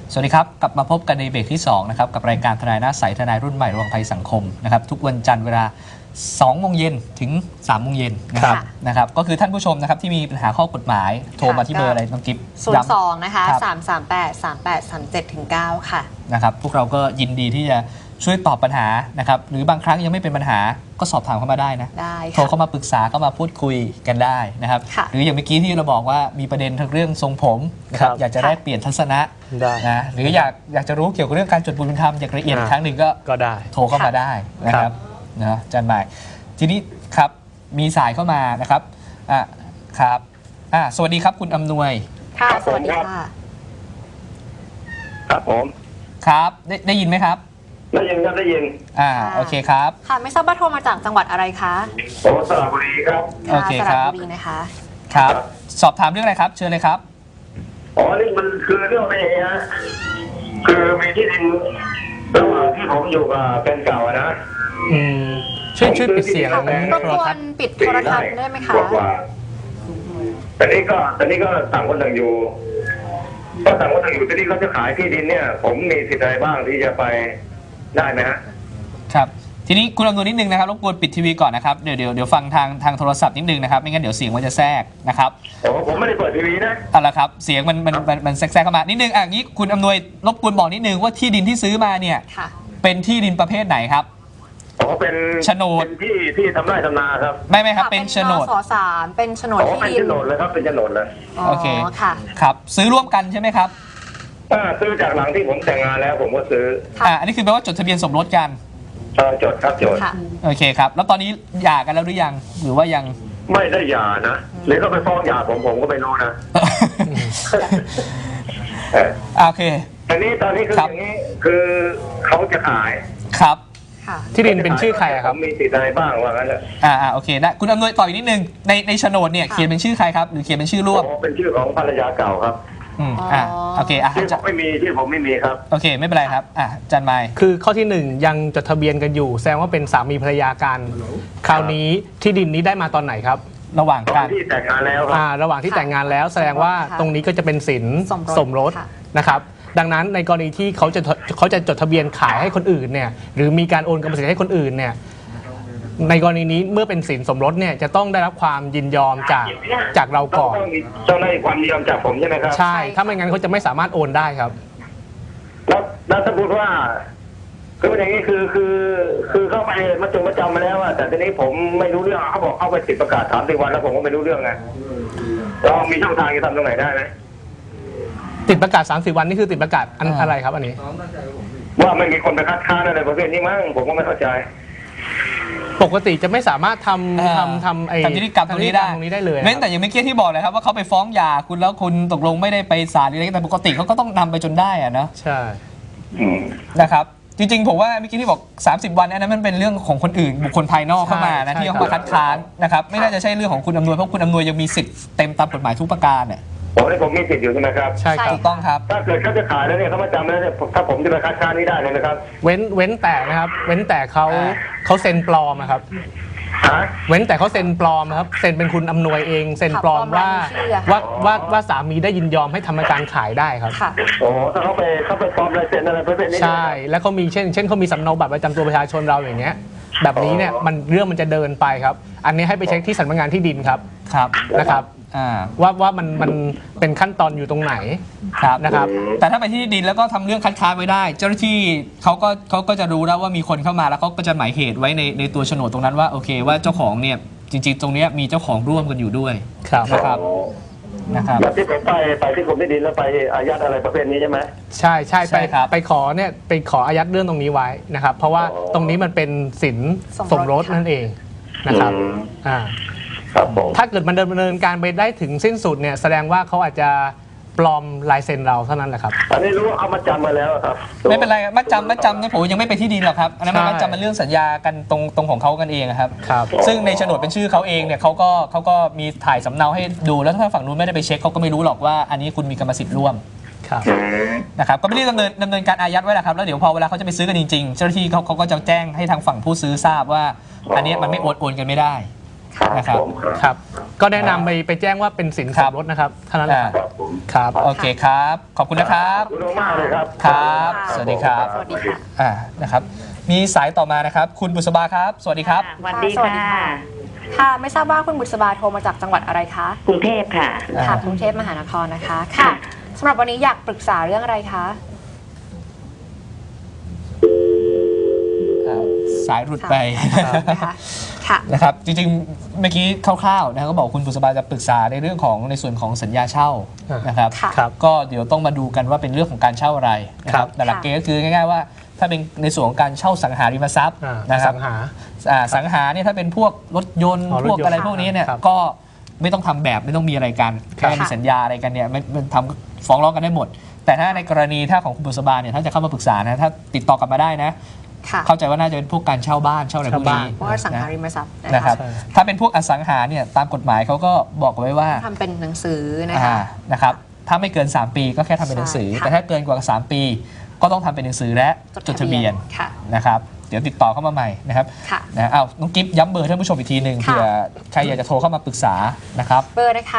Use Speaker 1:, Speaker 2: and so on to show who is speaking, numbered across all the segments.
Speaker 1: สวัสดีครับกลับมาพบกันในเบรกที่2นะครับกับรายการทนายหน้าใสทนายรุ่นใหม่ระวังภัยสังคมนะครับทุกวันจันทร์เวลา2 โมงเย็นถึง3 โมงเย็นนะครับก็คือท่านผู้ชมนะครับที่มีปัญหาข้อกฎหมายโทรมาที่เบอร์อะไรน้องกิฟต์
Speaker 2: 02นะคะ3383837ถึง9ค่ะ
Speaker 1: นะครับพวกเราก็ยินดีที่จะช่วยตอบปัญหานะครับหรือบางครั้งยังไม่เป็นปัญหาก็สอบถามเข้ามาได้นะโทรเข้ามาปรึกษาเข้ามาพูดคุยกันได้นะครับหรืออย่างเมื่อกี้ที่เราบอกว่ามีประเด็นเรื่องทรงผมนะครับอยากจะได้เปลี่ยนทัศนะนะหรืออยากจะรู้เกี่ยวกับเรื่องการจดบุญธรรมอย่างละเอียดครั้งหนึ่งก็ได้โทรเข้ามาได้นะครับนะอาจารย์หมายทีนี้ครับมีสายเข้ามานะครับครับสวัสดีครับคุณอำนวย
Speaker 2: ค่ะสวัสดีค่ะ
Speaker 3: ครับผม
Speaker 1: ครับได้ยินไหมครับ
Speaker 3: ได้ยินครับได้ยิน
Speaker 1: โอเคครับ
Speaker 2: ค่ะไม่ทราบว่าโทรมาจากจังหวัดอะไรคะ
Speaker 3: โอ้สระบุรีครับ
Speaker 1: โอเคครับ
Speaker 2: สระบุรีนะคะ
Speaker 1: ครับสอบถามเรื่องอะไรครับเชิญเลยครับ
Speaker 3: นี่มันคือเรื่องอะไรฮะคือมีที่ดินระหว่างที่ผมอยู่กับแฟนเก่านะ
Speaker 1: ช่วยปิดเสียงแล้วนะ
Speaker 2: รบกวนปิดโทรทัศน์ได้ไหมคะ
Speaker 3: แต่นี้ก็ต่างคนต่างอยู่ก็ต่างคนต่างอยู่ที่นี่เขาจะขายที่ดินเนี่ยผมมีสิทธิ์อะไรบ้างที่จะไปได้ไหมฮะ
Speaker 1: ครับทีนี้คุณอำนวยนิดนึงนะครับรบกวนปิดทีวีก่อนนะครับเดี๋ยวฟังทางโทรศัพท์นิดนึงนะครับไม่งั้นเดี๋ยวเสียงมันจะแทรกนะครับ
Speaker 3: ผมไม่ได้เปิดทีวีนะ
Speaker 1: ละครับเสียงมันแทรกเข้ามานิดนึงงี้คุณอำนวยรบกวนบอกนิดนึงว่าที่ดินที่ซื้อมาเนี่ยเป็นที่ดินประเภทไหนครับ
Speaker 3: เป็น
Speaker 1: โฉนด
Speaker 3: ที่ทำไร่ทำนาครับ
Speaker 1: ไม่ครับเป็นโฉนด
Speaker 2: 3เป็นโฉนดที่ดิน
Speaker 3: เป็นโฉนดเลยครับเป็นโฉนดเลย
Speaker 1: โอเคครับซื้อร่วมกันใช่ไหมครับ
Speaker 3: ซื้อจากหลังที่ผมแต่งงานแล้วผมก็ซื้อ
Speaker 1: อันนี้คือแปลว่าจดทะเบียนสมรสกัน
Speaker 3: จดครับจด
Speaker 1: โอเคครับแล้วตอนนี้หย่ากันแล้วหรือยังหรือว่ายัง
Speaker 3: ไม่ได้หย่านะหรือก็ไปฟ้องหย่าผมก็ไม่รู้นะ
Speaker 1: โอเค
Speaker 3: ตอนนี้คืออย่างนี้คือเขาจะขาย
Speaker 1: ครับ
Speaker 4: ที่ดินเป็นชื่อใครครับ
Speaker 3: มีสิทธิ์อะไรบ้างว่างั้นแหละ
Speaker 1: โอเคได้คุณอำนวยต่ออีกนิดนึงในโฉนดเนี่ยเขียนเป็นชื่อใครครับหรือเขียนเป็นชื่อร่วม
Speaker 3: เป็นชื่อของภรรยาเก่าครับ
Speaker 1: โอเค
Speaker 3: ชื่อผมไม่มีครับ
Speaker 1: โอเคไม่เป็นไรครับจันไมค์
Speaker 4: คือข้อที่1ยังจดทะเบียนกันอยู่แสดงว่าเป็นสามีภรรยากันคราวนี้ที่ดินนี้ได้มาตอนไหนครับ
Speaker 1: ระหว่างการ
Speaker 3: ที่แต่งงานแล้ว
Speaker 4: ระหว่างที่แต่งงานแล้วแสดงว่าตรงนี้ก็จะเป็นสินสมรสนะครับดังนั้นในกรณีที่เขาจะจดทะเบียนขายให้คนอื่นเนี่ยหรือมีการโอนกรรมสิทธิ์ให้คนอื่นเนี่ยในกรณีนี้เมื่อเป็นสินสมรสเนี่ยจะต้องได้รับความยินยอมจากเราก่อน
Speaker 3: ต้องได้ความยินยอมจากผมใช่ไหมครับ
Speaker 4: ใช่ถ้าไม่งั้นเขาจะไม่สามารถโอนได้ครับ
Speaker 3: แล้วสมมติว่าคืออย่างนี้คือเข้าไปมาจำมาแล้วแต่ทีนี้ผมไม่รู้เรื่องเขาบอกเข้าไปติดประกาศ30 วันแล้วผมก็ไม่รู้เรื่องไงเรามีช่องทางจะทำตรงไหนได้ไหม
Speaker 4: ติดประกาศ30 วันนี่คือติดประกาศอะไรครับอันนี้
Speaker 3: ว่าไม่มีคนไปคัดค้านอะไรประเภทนี้มั้งผมก็ไม่เข้าใจ
Speaker 4: ปกติจะไม่สามารถทำ
Speaker 1: นิติกรรมตรงนี้
Speaker 4: ได้เลย
Speaker 1: เว้นแต่อย่างเมื่อกี้ที่บอกเลยครับว่าเขาไปฟ้องหย่าคุณแล้วคุณตกลงไม่ได้ไปศาลอะไรแต่ปกติเขาก็ต้องนำไปจนได้นะ
Speaker 4: ใช่
Speaker 1: นะครับจริงๆผมว่าเมื่อกี้ที่บอก30 วันอันนั้นมันเป็นเรื่องของคนอื่นบุคคลภายนอกเข้ามานะที่เขามาคัดค้านนะครับไม่น่าจะใช่เรื่องของคุณอำนวยเพราะคุณอำนวยยังมีสิทธิ์เต็มตามกฎหมายทุกประการเนี่ย
Speaker 3: ผมมีสิทธิ์อยู่ใช่ไหมครับ
Speaker 4: ใช่ครับ
Speaker 1: ถูกต้องครับ
Speaker 3: ถ้าเกิดเขาจะขายแล้วเนี่ยเขามาจำแล้วเนี่ยถ้าผมจะไปคัดค้านนี่ได้เลยนะครับ
Speaker 4: เว้นแต่นะครับเว้นแต่เขาเซ็นปลอมครับเว้นแต่เขาเซ็นปลอมครับเซ็นเป็นคุณอำนวยเองเซ็นปลอมว่าสามีได้ยินยอมให้ทำการขายได้ครับ
Speaker 3: ถ้าเขาไปปลอมลายเซ็นอะไรประเภทนี้
Speaker 4: ใช่แล้วเขามีเช่นเขามีสำเนาบัตรประจำตัวประชาชนเราอย่างเงี้ยแบบนี้เนี่ยเรื่องมันจะเดินไปครับอันนี้ให้ไปเช็คที่สำนักงานที่ดินครับนะครับว่ามันเป็นขั้นตอนอยู่ตรงไหนนะครับ
Speaker 1: แต่ถ้าไปที่ดินแล้วก็ทำเรื่องคัดค้านไว้ได้เจ้าหน้าที่เขาก็จะรู้แล้วว่ามีคนเข้ามาแล้วเขาก็จะหมายเหตุไว้ในตัวโฉนดตรงนั้นว่าโอเคว่าเจ้าของเนี่ยจริงๆตรงนี้มีเจ้าของร่วมกันอยู่ด้วยนะครับ
Speaker 3: แบบที่ผมไปที่กรมที่ดินแล้วไปอายัดอะไรประเภทนี้ใช่ไหม
Speaker 4: ใช่ไปขออายัดเรื่องตรงนี้ไว้นะครับเพราะว่าตรงนี้มันเป็นสินสมรสนั่นเองนะครับถ้าเกิดมันดำเนินการไปได้ถึงสิ้นสุดเนี่ยแสดงว่าเขาอาจจะปลอมลายเซ็นเราเท่านั้นแหละครับ
Speaker 3: อันนี้รู้ว่าเอามาจำมาแล้วครับ
Speaker 1: ไม่เป็นไรมัดจำเนี่ยผมยังไม่ไปที่ดินหรอกครับอันนั้นมัดจำมันเรื่องสัญญากันตรงของเขากันเองครับซึ่งในโฉนดเป็นชื่อเขาเองเนี่ยเขาก็มีถ่ายสำเนาให้ดูแล้วถ้าฝั่งนู้นไม่ได้ไปเช็คเขาก็ไม่รู้หรอกว่าอันนี้คุณมีกรรมสิทธิ์ร่วมนะครับก็ไม่ได้ดำเนินการอายัดไว้แหละครับแล้วเดี๋ยวพอเวลาเขาจะไปซื้อกันจริงๆเจ้าหน้าที่เขาก็จะแจ้งให้ทางฝั่งผู้ซื้อทราบว่าอันนี้มันไม่โอนกันไม่ได้นะครับ
Speaker 3: ผมครับ
Speaker 4: ครับ ก็แนะนำไปแจ้งว่าเป็นสินสมรสนะครับเท่านั้นแหละครับ
Speaker 3: ครับผม
Speaker 4: ครับ
Speaker 1: โอเคครับ ขอบคุณนะครับ
Speaker 3: ขอบคุณมากเลยครับ
Speaker 1: ครับ
Speaker 2: ค่ะ
Speaker 1: สวัสดีครับ
Speaker 2: สวัสดีค่ะ
Speaker 1: นะครับมีสายต่อมานะครับ คุณบุษบาครับ สวัสดีครับ
Speaker 5: สวัสดี
Speaker 2: สวัสดี
Speaker 5: ค่ะ
Speaker 2: ค่ะ ค่ะ ไม่ทราบว่าคุณบุษบาโทรมาจากจังหวัดอะไรคะ
Speaker 5: กรุงเทพค่ะ
Speaker 2: ค่ะ กรุงเทพมหานครนะคะ ค่ะสำหรับวันนี้อยากปรึกษาเรื่องอะไรคะ
Speaker 1: สายหลุดไป
Speaker 2: นะคะค่ะ
Speaker 1: นะครับจริงๆเมื่อกี้คร่าวๆนะครับก็บอกคุณบุษบาจะปรึกษาในเรื่องของในส่วนของสัญญาเช่านะครับ
Speaker 2: ค่ะ
Speaker 4: ครับ
Speaker 1: ก็เดี๋ยวต้องมาดูกันว่าเป็นเรื่องของการเช่าอะไรนะค
Speaker 4: ครั
Speaker 1: รับบ แต่หลักเกณฑ์ก็คือง่ายๆว่าถ้าเป็นในส่วนของการเช่าสังหาริมทรัพย์
Speaker 4: อ่า
Speaker 1: นะครับ
Speaker 4: สังหา
Speaker 1: สังหาเนี่ยถ้าเป็นพวกรถยนต์
Speaker 4: อ๋อรถ
Speaker 1: พวก
Speaker 4: ยนต์
Speaker 1: อะไรพวกนี้เนี่ย
Speaker 4: ครับ
Speaker 1: ก็ไม่ต้องทำแบบไม่ต้องมีอะไรกัน
Speaker 4: ครับ
Speaker 1: แค่มีสัญญาอะไรกันเนี่ยมันทำฟ้องร้องกันได้หมด แต่ถ้าในกรณีถ้าของคุณบุษบาเนี่ยถ้าจะเข้ามาปรึกษานะถ้าติดต่อกลับมาได้นะ
Speaker 2: ค่ะ
Speaker 1: เข้าใจว่าน่าจะเป็นพวกการเช่าบ้านเช่าอะไรพวกนี้
Speaker 2: เพราะว่าสังหาริมทรัพย์นะ
Speaker 1: นะครั
Speaker 2: คะ
Speaker 1: บถ้าเป็นพวกอสังหาเนี่ยตามกฎหมายเขาก็บอกไว้ว่า
Speaker 2: ทำเป็นหนังสือนะคะ
Speaker 1: นะครับถ้าไม่เกิน 3 ปีก็แค่ทำเป็นหนังสือ
Speaker 2: ใช่ค่ะ
Speaker 1: แต่ถ้าเกินกว่า 3 ปี ก็ต้องทำเป็นหนังสือและจดทะเบียน
Speaker 2: ค่ะ
Speaker 1: นะครับเดี๋ยวติดต่อเข้ามาใหม่นะครับ
Speaker 2: ค่ะ
Speaker 1: นะเอาน้องกิฟย้ำเบอร์ท่านผู้ชมอีกทีหนึ่ง
Speaker 2: ค่ะ
Speaker 1: เผื่อใครอยากจะโทรเข้ามาปรึกษานะครับ
Speaker 2: เบอร์นะคะ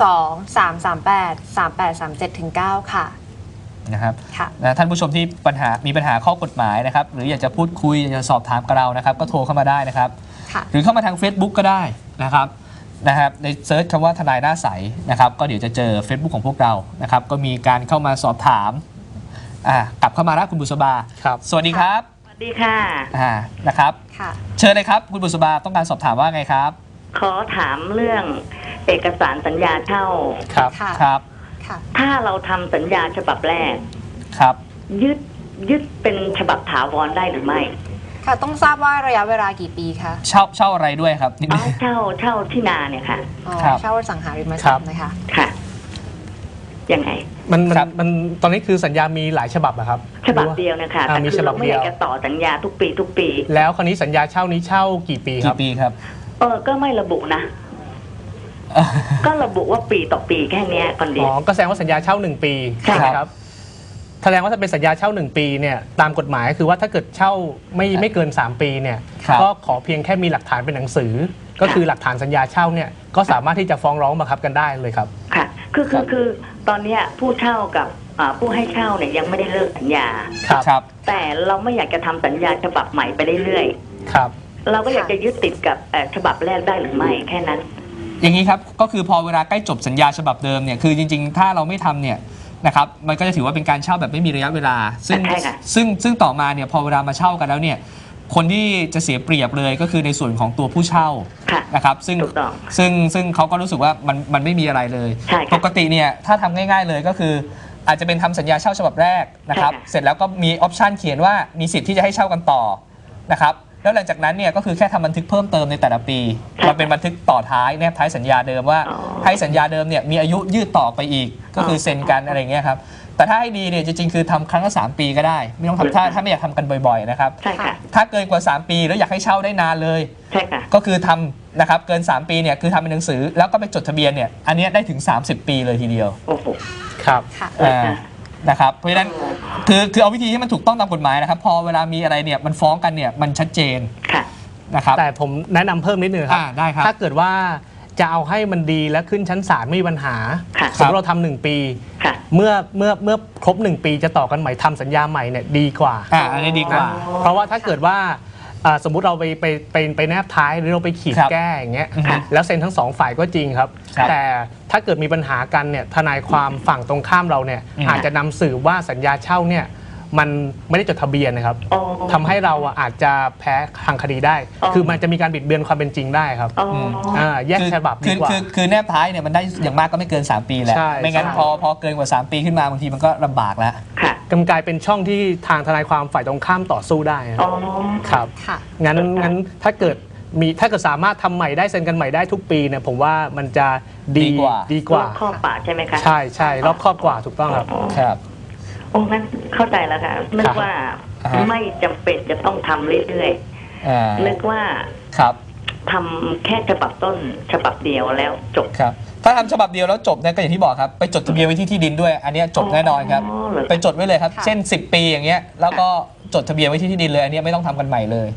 Speaker 2: 02-338-3837-9 ค่ะ
Speaker 1: นะครับ
Speaker 2: ค่ะ
Speaker 1: นะท่านผู้ชมที่มีปัญหาข้อกฎหมายนะครับหรืออยากจะพูดคุยอยากจะสอบถามกับเรานะครับก็โทรเข้ามาได้นะครับ
Speaker 2: ค่ะ
Speaker 1: หรือเข้ามาทาง Facebook ก็ได้นะครับในเซิร์ชคำว่าทนายหน้าใสนะครับก็เดี๋ยวจะเจอ Facebook ของพวกเรานะครับก็มีการเข้ามาสอบถามกลับเข้ามาแล้วคุณบุษบา
Speaker 4: ครับ
Speaker 1: สวัสดีครับ
Speaker 5: สวัสดีค่ะ
Speaker 1: นะครับ
Speaker 2: ค่ะ
Speaker 1: เชิญเลยครับคุณบุษบาต้องการสอบถามว่าไงครับ
Speaker 5: ขอถามเรื่องเอกสารสัญญาเช่า
Speaker 4: ครับ
Speaker 2: ค่ะ
Speaker 1: ครับ
Speaker 2: ค่ะ
Speaker 5: ถ้าเราทำสัญญาฉบับแรก
Speaker 1: ครับ
Speaker 5: ยึดเป็นฉบับถาวรได้หรือไม่
Speaker 2: ค่ะ ต้องทราบว่าระยะเวลากี่ปีคะ
Speaker 1: เช่าอะไรด้วยครับนิดนึ
Speaker 5: เอา
Speaker 1: ง
Speaker 5: เช่าที่นาเนี่ยค่ะ
Speaker 2: อ๋อ
Speaker 1: ครับ
Speaker 2: เช่าสังหาริมทรัพย์นะคะ
Speaker 5: ค่ะ ยังไง
Speaker 4: มันตอนนี้คือสัญญามีหลายฉบับอะครับ
Speaker 5: ฉบับเดียวนะคะ
Speaker 4: อ่า
Speaker 5: แต่
Speaker 4: มี
Speaker 5: คื
Speaker 4: ฉ
Speaker 5: อ
Speaker 4: บั
Speaker 5: เรา
Speaker 4: บ
Speaker 5: ไม่
Speaker 4: เดี
Speaker 5: อ
Speaker 4: ยว
Speaker 5: ยากจะต่อสัญญาทุกปี
Speaker 4: แล้วคราวนี้สัญญาเช่านี้เช่ากี่ปีครับ
Speaker 1: กี่ปีครับ
Speaker 5: ก็ไม่ระบุนะ ก็ระบุว่าปีต่อปีแค่เนี้ยก่อนดี
Speaker 4: อ๋อ ก็แสดงว่าสัญญาเช่า 1 ปี
Speaker 5: ใช่
Speaker 4: ใช่ไหมครับแสดงว่าถ้าเป็นสัญญาเช่า 1 ปีเนี่ยตามกฎหมายคือว่าถ้าเกิดเช่าไม่เกิน 3 ปีเนี่ย
Speaker 1: ครับ
Speaker 4: ก็ขอเพียงแค่มีหลักฐานเป็นหนังสือ ก็คือหลักฐานสัญญาเช่าเนี่ยก็สามารถที่จะฟ้องร้องบังคับกันได้เลยครับ
Speaker 5: ค่ะ คือตอนเนี้ยผู้เช่ากับผู้ให้เช่าเนี่ยยังไม่ได้เลิกสัญญา
Speaker 4: ครับ
Speaker 1: ครับ
Speaker 5: แต่เราไม่อยากจะทำสัญญาฉบับใหม่ไปเรื่อย
Speaker 4: ครับ
Speaker 5: ๆเราก็อยากจะยึดติดกับฉบับแรกได้หรือไม่แค่นั้น
Speaker 1: อย่างนี้ครับก็คือพอเวลาใกล้จบสัญญาฉบับเดิมเนี่ยคือจริงๆ ถ้าเราไม่ทำเนี่ยนะครับมันก็จะถือว่าเป็นการเช่าแบบไม่มีระยะเวลา ซึ่ง
Speaker 5: ใช่ค่ะ
Speaker 1: ซึ่งต่อมาเนี่ยพอเวลามาเช่ากันแล้วเนี่ยคนที่จะเสียเปรียบเลยก็คือในส่วนของตัวผู้เช่า
Speaker 5: ค่ะ
Speaker 1: นะครับซึ่ง
Speaker 5: ถูกต้อง
Speaker 1: ซึ่งเขาก็รู้สึกว่ามันไม่มีอะไรเลย
Speaker 5: ใช่ค่ะ
Speaker 1: ปกติเนี่ยถ้าทำง่ายๆเลยก็คือ อาจจะเป็นทำสัญญาเช่าฉบับแรกนะครับ
Speaker 5: ใช่ค่ะ
Speaker 1: เสร็จแล้วก็มีออปชันเขียนว่ามีสิทธิ์ที่จะให้เช่ากันต่อนะครับแล้วหลังจากนั้นเนี่ยก็คือแค่ทำบันทึกเพิ่มเติมในแต่ละปีมันเป็นบันทึกต่อท้ายแนบท้ายสัญญาเดิมว่า
Speaker 5: อ๋อ
Speaker 1: ให้สัญญาเดิมเนี่ยมีอายุยืดต่อไปอีกก็คือเซ็นกันอะไรอย่างเงี้ยครับแต่ถ้าให้ดีเนี่ยจริงๆคือทำครั้งละ3 ปีก็ได้ไม่ต้องทำถ้าไม่อยากทำกันบ่อยๆนะครับ
Speaker 5: ใช่ค่ะ
Speaker 1: ถ้าเกินกว่า 3 ปีแล้วอยากให้เช่าได้นานเลย
Speaker 5: ใช่ค่ะ
Speaker 1: ก็คือทำนะครับเกิน 3 ปีเนี่ยคือทำเป็นหนังสือแล้วก็ไปจดทะเบียนเนี่ยอันเนี้ยได้ถึง 30 ปีเลยทีเดียว
Speaker 5: โอ้โห
Speaker 4: ครับ
Speaker 2: ค่ะ
Speaker 1: นะครับเพราะฉะนั้นคือเอาวิธีที่มันถูกต้องตามกฎหมายนะครับพอเวลามีอะไรเนี่ยมันฟ้องกันเนี่ยมันชัดเจน
Speaker 5: ค่ะ
Speaker 1: นะครับ
Speaker 4: แต่ผมแนะนำเพิ่มนิดนึงครับ
Speaker 1: ได้ครับ
Speaker 4: ถ้าเกิดว่าจะเอาให้มันดีและขึ้นชั้นศาลไม่มีปัญหา
Speaker 5: ค่ะ
Speaker 4: สมมติเราทำ1 ปี
Speaker 5: ค่ะ
Speaker 4: เมื่อครบ 1 ปีจะต่อกันใหม่ทำสัญญาใหม่เนี่ยดีกว่า
Speaker 1: อันนี้ดีกว่า
Speaker 4: เพราะว่าถ้าเกิดว่าสมมุติเราไปแนบท้ายหรือเราไปขีด
Speaker 1: ครับ
Speaker 4: แก้อย่างเงี้ย
Speaker 1: อือฮึ
Speaker 4: แล้วเซ็นทั้ง2 ฝ่ายก็จริงครับ
Speaker 1: ครับ
Speaker 4: แต่ถ้าเกิดมีปัญหากันเนี่ยทนายความฝั่งตรงข้ามเราเนี่ย อาจจะนำสืบว่าสัญญาเช่าเนี่ยมันไม่ได้จดทะเบียนนะครับ
Speaker 5: อ๋อ
Speaker 4: ทำให้เราอาจจะแพ้ทางคดีได้
Speaker 5: อ๋อ
Speaker 4: คือมันจะมีการบิดเบือนความเป็นจริงได้ครับ
Speaker 5: อ๋อ
Speaker 4: แยกฉบับดีกว่า
Speaker 1: คือแนบท้ายเนี่ยมันได้อย่างมากก็ไม่เกิน 3 ปีแหละ
Speaker 4: ใช่
Speaker 1: ไม่งั้น
Speaker 4: ใช่
Speaker 1: พอเกินกว่า 3 ปีขึ้นมาบางทีมันก็ลำบากแล้ว
Speaker 5: ค่ะ
Speaker 4: กำกลายเป็นช่องที่ทางทนายความฝ่ายตรงข้ามต่อสู้ได้นะ
Speaker 5: อ๋อ
Speaker 4: ครับ
Speaker 2: ค่ะ
Speaker 4: งั้นถ้าเกิดสามารถทำใหม่ได้เซ็นกันใหม่ได้ทุกปีเนี่ยผมว่ามันจะดี
Speaker 1: ดีกว่า
Speaker 5: รอบข้อป่าใช่ไหมคะ
Speaker 4: ใช่รอบครอบกว่าถูกต้องครับ
Speaker 5: อ๋อ
Speaker 1: ครับ
Speaker 5: โอ้งั้นเข้าใจแล้วค่ะ นึกว่า
Speaker 1: อ่าฮะ
Speaker 5: ไม่จำเป็นจะต้องทำเรื่อยๆ นึกว่า
Speaker 1: ครับ
Speaker 5: ทำแค่ฉบับต้นฉบับเดียวแล้วจบ
Speaker 1: ครับถ้าทำฉบับเดียวแล้วจบเนี่ยก็อย่างที่บอกครับไปจดทะเบียนไว้ที่ดินด้วย อันเนี้ยจบแน่นอนครับ
Speaker 5: อ๋อเหรอ
Speaker 1: ไปจดไว้เลยครับ
Speaker 2: ค่ะ
Speaker 1: เช่น 10 ปีอย่างเงี้ยแล้วก็จดทะเบียนไว้ที่ดินเลยอันเนี้ยไม่ต้องทำกันใหม่เลย
Speaker 5: ค่ะ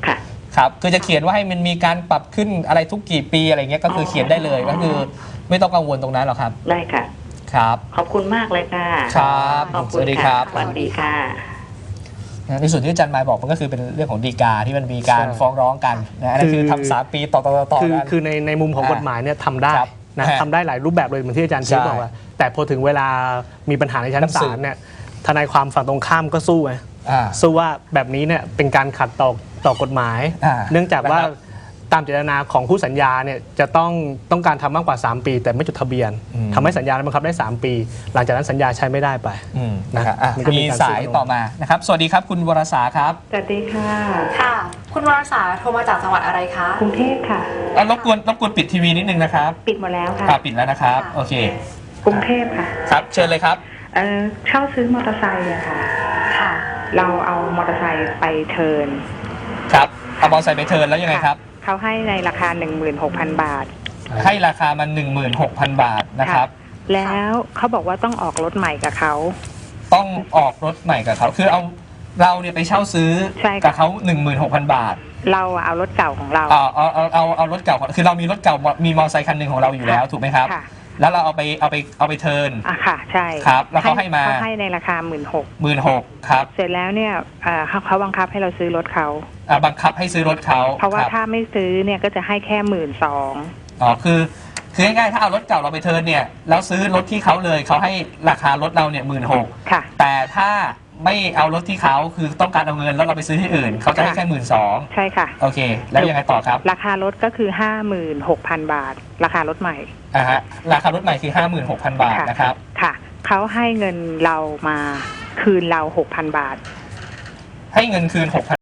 Speaker 1: ครับคือจะเขียนว่าให้มันมีการปรับขึ้นอะไรทุกกี่ปีอะไรเงี้ยก็คือเขียนได้เลยก็คือไม่ต้องกังวลตรงนั้นหรอกครับ
Speaker 5: ได้ค่ะ
Speaker 1: ครับ
Speaker 5: ขอบคุณมากเลยค่ะ
Speaker 1: ครับ
Speaker 5: ขอบ
Speaker 1: ส
Speaker 5: คุณ
Speaker 1: วัสดีค
Speaker 5: ค่ะ
Speaker 1: รับ
Speaker 5: สวัสดีค่ะ
Speaker 1: ในส่วนที่อาจารย์หมายบอกมันก็คือเป็นเรื่องของฎีกาที่มันมีการ
Speaker 4: ใช่
Speaker 1: ฟ้องร้องกันนะอันนั้นคือทำ3 ปีต่อกัน
Speaker 4: คือในมุมของกฎหมายเนี่ยทำได้
Speaker 1: ครับ
Speaker 4: นะ
Speaker 1: ฮะ
Speaker 4: ทำได้หลายรูปแบบเลยเหมือนที่อาจารย์ชี้
Speaker 1: ใช่
Speaker 4: บอกว่าแต่พอถึงเวลามีปัญหาในชั้น
Speaker 1: ต้องสื
Speaker 4: ศา
Speaker 1: บ
Speaker 4: ลเนี่ยทนายความฝั่งตรงข้ามก็สู้ไง
Speaker 1: อ่า
Speaker 4: สู้ว่าแบบนี้เนี่ยเป็นการขัดต่อกฎหมาย
Speaker 1: อ่า
Speaker 4: เนื่องจากว่า
Speaker 1: นะครับ
Speaker 4: ตามเจตนาของผู้สัญญาเนี่ยจะต้องการทำมากกว่า 3 ปี แต่ไม่จดทะเบียน
Speaker 1: อืม
Speaker 4: ทำให้สัญญาบังคับได้ 3 ปี หลังจากนั้นสัญญาใช้ไม่ได้ไป
Speaker 1: นะครับอ่ะ
Speaker 4: มันก็มี
Speaker 1: มี
Speaker 4: การ
Speaker 1: สายต่อมานะครับสวัสดีครับคุณวรสาครับ
Speaker 6: สวัสดีค่ะ
Speaker 2: ค่ะ คุณวรสาโทรมาจากจังหวัดอะไรคะ
Speaker 6: กรุงเทพค่ะ
Speaker 1: รบกวนปิดทีวีนิดนึงนะครับ
Speaker 6: ปิดหมดแล้วค่ะ
Speaker 1: ปิดแล้วนะครับ โอเค
Speaker 6: กรุงเทพค่ะ
Speaker 1: ครับเชิญเลยครับ
Speaker 6: เช่าซื้อมอเตอร์ไซค์อะค่ะ
Speaker 2: ค่ะ
Speaker 6: เราเอามอเตอร์ไซค์ไปเทิร์น
Speaker 1: ครับเอามอเตอร์ไซค์ไปเทิร์นแล้วยังไงครับ
Speaker 6: เขาให้ในราคา 16,000 บาท
Speaker 1: ให้ราคามัน 16,000 บาทนะครับ
Speaker 6: แล้วเขาบอกว่าต้องออกรถใหม่กับเขา
Speaker 1: ต้องออกรถใหม่กับเขาคือเราเนี่ยไปเช่าซื้อ
Speaker 6: ใช่ค่ะ
Speaker 1: กับเขา 16,000 บาท
Speaker 6: เราเอารถเก่าของเรา
Speaker 1: เอารถเก่าคือเรามีรถเก่ามีมอเตอร์ไซค์คันหนึ่งของเราอยู่แล้วถูกไหมครับ
Speaker 6: ค่ะ
Speaker 1: แล้วเราเอาไปเทิร์น
Speaker 6: อ่ะค่ะ ใช่
Speaker 1: ครับแล้วเขาให้มา
Speaker 6: เขาให้ในราคา
Speaker 1: 16,000ครับ
Speaker 6: 16,000เสร็จแล้วเนี่ยเขาบังคับให้เราซื้อรถเขา
Speaker 1: บังคับให้ซื้อรถเขา
Speaker 6: เพราะว่า
Speaker 1: คบ
Speaker 6: ถ้าไม่ซื้อเนี่ยก็จะให้แค่12,000
Speaker 1: อ๋อคือง่ายๆถ้าเอารถเก่าเราไปเทิร์นเนี่ยแล้วซื้อรถที่เขาเลยเขาให้ราคารถเราเนี่ย16,000
Speaker 6: ค่ะ
Speaker 1: แต่ถ้าไม่เอารถที่เขาคือต้องการเอาเงินแล้วเราไปซื้อที่อื่นเขาจะให้แค่12,000
Speaker 6: ใช่ค่ะ
Speaker 1: โอเค แล้วยังไงต่อครับ
Speaker 6: ราคารถก็คือ 56,000 บาท ราคารถใหม่
Speaker 1: ฮะราคารถใหม่คือ 56,000 บาทนะครับ
Speaker 6: ค่ะเขาให้เงินเรามาคืนเรา 6,000 บาท
Speaker 1: ให้เงินคืน 6,000